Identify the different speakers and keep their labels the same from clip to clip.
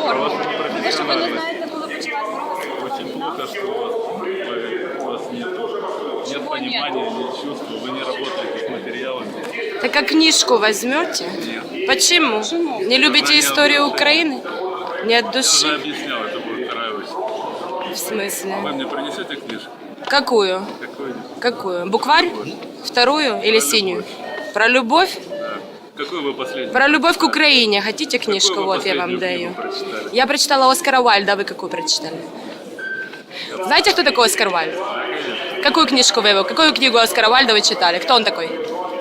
Speaker 1: Здорово.
Speaker 2: вашему
Speaker 1: Те, що ви не
Speaker 2: профессионализму.
Speaker 1: знаєте, коли почалась Друга світова
Speaker 2: Очень
Speaker 1: війна?
Speaker 2: плохо, что у вас нет
Speaker 1: Чего
Speaker 2: понимания, нет чувств, вы не работаете с материалами.
Speaker 3: Так а книжку возьмете?
Speaker 2: Нет.
Speaker 3: Почему?
Speaker 1: Почему?
Speaker 3: Не любите историю Украины? Не от
Speaker 2: Я уже
Speaker 3: души?
Speaker 2: объяснял, это будет вторая очередь.
Speaker 3: В смысле?
Speaker 2: Вы мне принесете книжку?
Speaker 3: Какую?
Speaker 2: Какую-нибудь?
Speaker 3: Какую? Букварь? Вторую или синюю? Про любовь?
Speaker 2: Да. Какую вы последнюю?
Speaker 3: Про любовь к Украине. Хотите
Speaker 2: Какую
Speaker 3: книжку?
Speaker 2: вы
Speaker 3: Вот я вам
Speaker 2: последнюю
Speaker 3: даю.
Speaker 2: книгу прочитали?
Speaker 3: Я прочитала Оскара Уальда, а вы какую прочитали? Знаете, кто такой Оскар Уальд? Какую книжку вы его? Какую книгу Оскара Уальда вы читали? Кто он такой?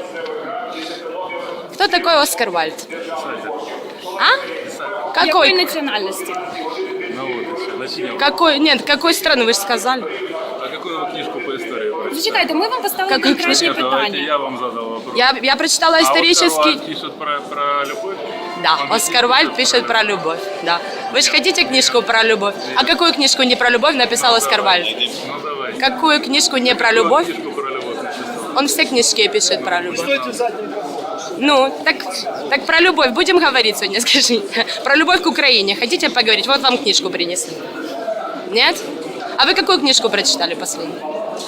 Speaker 3: Кто такой Оскар Уальд?
Speaker 2: Писатель.
Speaker 3: А?
Speaker 2: Писатель.
Speaker 1: Якої
Speaker 3: Какой?
Speaker 1: національності?
Speaker 2: Ну вот и все. Начнем.
Speaker 3: Какой? Нет, какой страны, вы же сказали.
Speaker 2: А какую вы книжку по истории прочитали?
Speaker 1: Зачекайте, ми вам поставили
Speaker 3: Какую
Speaker 1: конкретні
Speaker 2: Нет, давайте
Speaker 1: питання.
Speaker 2: я вам задал вопрос.
Speaker 3: Я прочитала
Speaker 2: А Оскар
Speaker 3: исторический...
Speaker 2: Уайльд пишет про любовь?
Speaker 3: Да,
Speaker 2: Он
Speaker 3: Оскар Уальд пишет про любовь. Да. Вы же хотите книжку про любовь? А какую книжку не про любовь написал Оскар Уальд?
Speaker 2: Ну давай.
Speaker 3: Какую книжку не про любовь?
Speaker 2: Книжку про любовь написал.
Speaker 3: Он все книжки пишет про любовь. Ну, так про любовь будем говорить сегодня, скажите. Про любовь к Украине. Хотите поговорить? Вот вам книжку принесли. Нет? А вы какую книжку прочитали последнюю?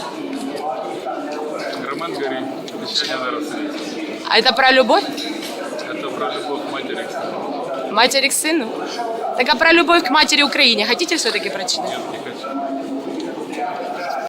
Speaker 2: Роман Гори. Обещание на рассвете.
Speaker 3: А это про любовь?
Speaker 2: Это про любовь матери к сыну.
Speaker 3: Матери к сыну? Так а про любовь к матери Украине хотите все-таки прочитать?
Speaker 2: Нет, не хочу.